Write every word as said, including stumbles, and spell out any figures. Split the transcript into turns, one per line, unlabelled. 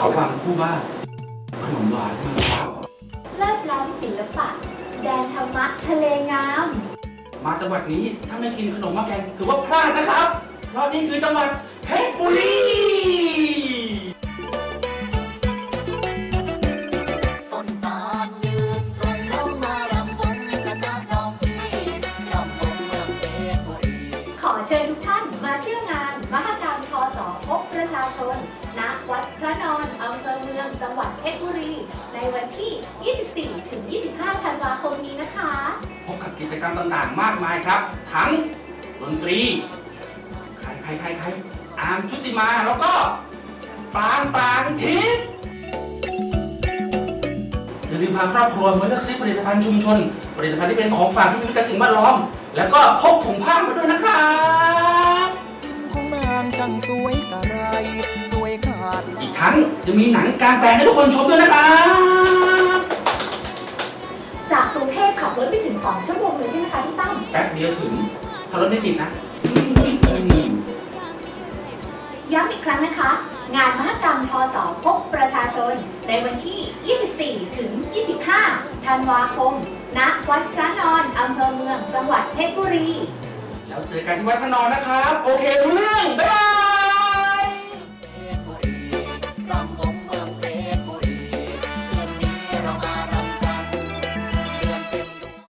เขาวังคู่บ้านขนมหวานเมืองฟ้า
เลิศล้ำศิลปะแดนธรรมะทะเลงาม
มาจังหวัดนี้ถ้าไม่กินขนมหม้อแกงถือว่าพลาดนะครับเพราะนี่คือจังหวัดเพชรบุรี
ต้นตาลยืนตรงเข้ามารำวงคณะน้องพี่รำวงเมืองเพชรบุรี
ขอเชิญทุกท่านมาเที่ยวงานมหกรรมทศพบประชาชนณวัดพระนอนอำเภอเมืองจังหวัดเพชรบุรี ในวันที่ ยี่สิบสี่ถึงยี่สิบห้า ธันวาคมนี้นะคะ
พบกับกิจกรรมต่างๆมากมายครับ ทั้งดนตรีใครใครใครใครอาร์มชุติมาแล้วก็ปรางปรางทิพย์อย่าลืมพาครอบครัวมาเลือกซื้อผลิตภัณฑ์ชุมชน ผลิตภัณฑ์ที่เป็นของฝากที่มีมิตรกับสิ่งแวดล้อม แล้วก็พกถุงผ้ามาด้วยนะครับ
ของนางช่างสวยกะไรสวยขาด
อีกทั้งจะมีหนังกลางแปลงให้ทุกคนชมด้วยนะครับ
จากกรุงเทพขับรถไปถึง สอง ชั่วโมงเลยใช่ไหมคะพี่ตั้ม
แป๊บเดียวถึงถ้ารถไม่ติดนะ
ย้ำอีกครั้งนะคะ งานมหกรรมทศพบประชาชน ในวันที่ ยี่สิบสี่ถึงยี่สิบห้า ธันวาคม ณ วัดพระนอนอำเภอเมือง จังหวัดเพชรบุรี
แล้วเจอกันที่วัดพระนอนนะครับ โอเครู้เรื่อง บ๊ายบาย